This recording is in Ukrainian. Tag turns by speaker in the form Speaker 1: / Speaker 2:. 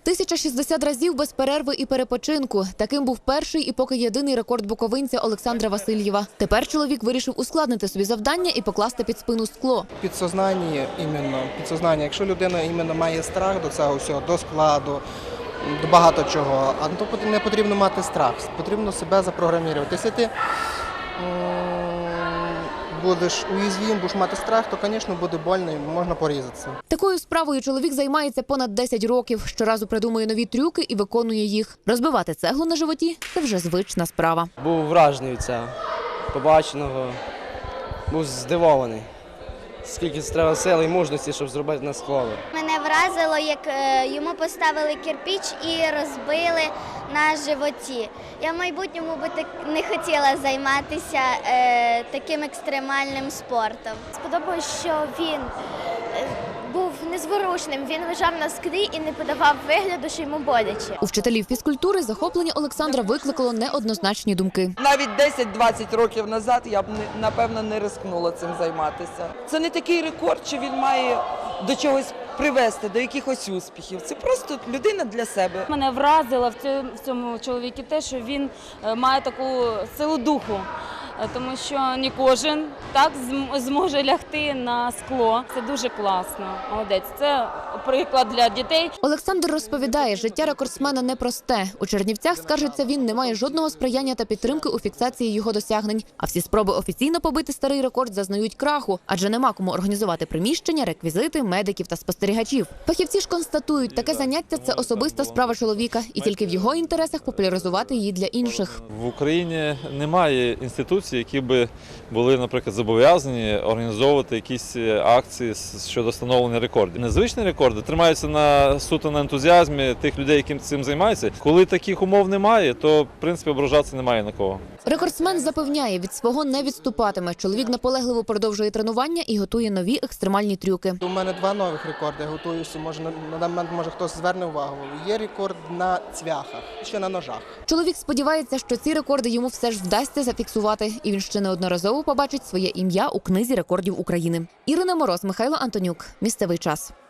Speaker 1: 1060 разів без перерви і перепочинку. Таким був перший і поки єдиний рекорд буковинця Олександра Васильєва. Тепер чоловік вирішив ускладнити собі завдання і покласти під спину скло.
Speaker 2: Підсознання. Якщо людина має страх до цього всього, до складу, до багато чого, то не потрібно мати страх, потрібно себе запрограмувати. Якщо ти будеш уязвим, будеш мати страх, то, звісно, буде больно і можна порізатися.
Speaker 1: Такою справою чоловік займається понад 10 років. Щоразу придумує нові трюки і виконує їх. Розбивати цеглу на животі – це вже звична справа.
Speaker 3: Був вражений від цього побаченого, був здивований. Скільки треба сили і мужності, щоб зробити на скло.
Speaker 4: Мене вразило, як йому поставили кирпич і розбили на животі. Я в майбутньому би не хотіла займатися таким екстремальним спортом.
Speaker 5: Сподобалось, що він був незворушним, він лежав на склі і не подавав вигляду, що йому боляче.
Speaker 1: У вчителів фізкультури захоплення Олександра викликало неоднозначні думки.
Speaker 6: Навіть 10-20 років назад я б, напевно, не рискнула цим займатися. Це не такий рекорд, що він має до чогось привести, до якихось успіхів. Це просто людина для себе.
Speaker 7: Мене вразило в цьому чоловіку те, що він має таку силу духу. Тому що не кожен так зможе лягти на скло. Це дуже класно. Молодець. Це приклад для дітей.
Speaker 1: Олександр розповідає, життя рекордсмена непросте. У Чернівцях, скаржиться він, не має жодного сприяння та підтримки у фіксації його досягнень. А всі спроби офіційно побити старий рекорд зазнають краху, адже нема кому організувати приміщення, реквізити, медиків та спостерігачів. Фахівці ж констатують, таке заняття – це особиста справа чоловіка, і тільки в його інтересах популяризувати її для інших.
Speaker 8: В Україні немає інституцій, які би були, наприклад, зобов'язані організовувати якісь акції щодо встановлення рекордів. Незвичні рекорди тримаються суто на ентузіазмі тих людей, які цим займаються. Коли таких умов немає, то, в принципі, ображатися немає на кого.
Speaker 1: Рекордсмен запевняє, від свого не відступатиме. Чоловік наполегливо продовжує тренування і готує нові екстремальні трюки.
Speaker 2: У мене 2 нових рекорди, я готуюся, на даний момент може хтось зверне увагу. Є рекорд на цвяхах, ще на ножах.
Speaker 1: Чоловік сподівається, що ці рекорди йому все ж вдасться зафіксувати. І він ще неодноразово побачить своє ім'я у книзі рекордів України. Ірина Мороз, Михайло Антонюк. Місцевий час.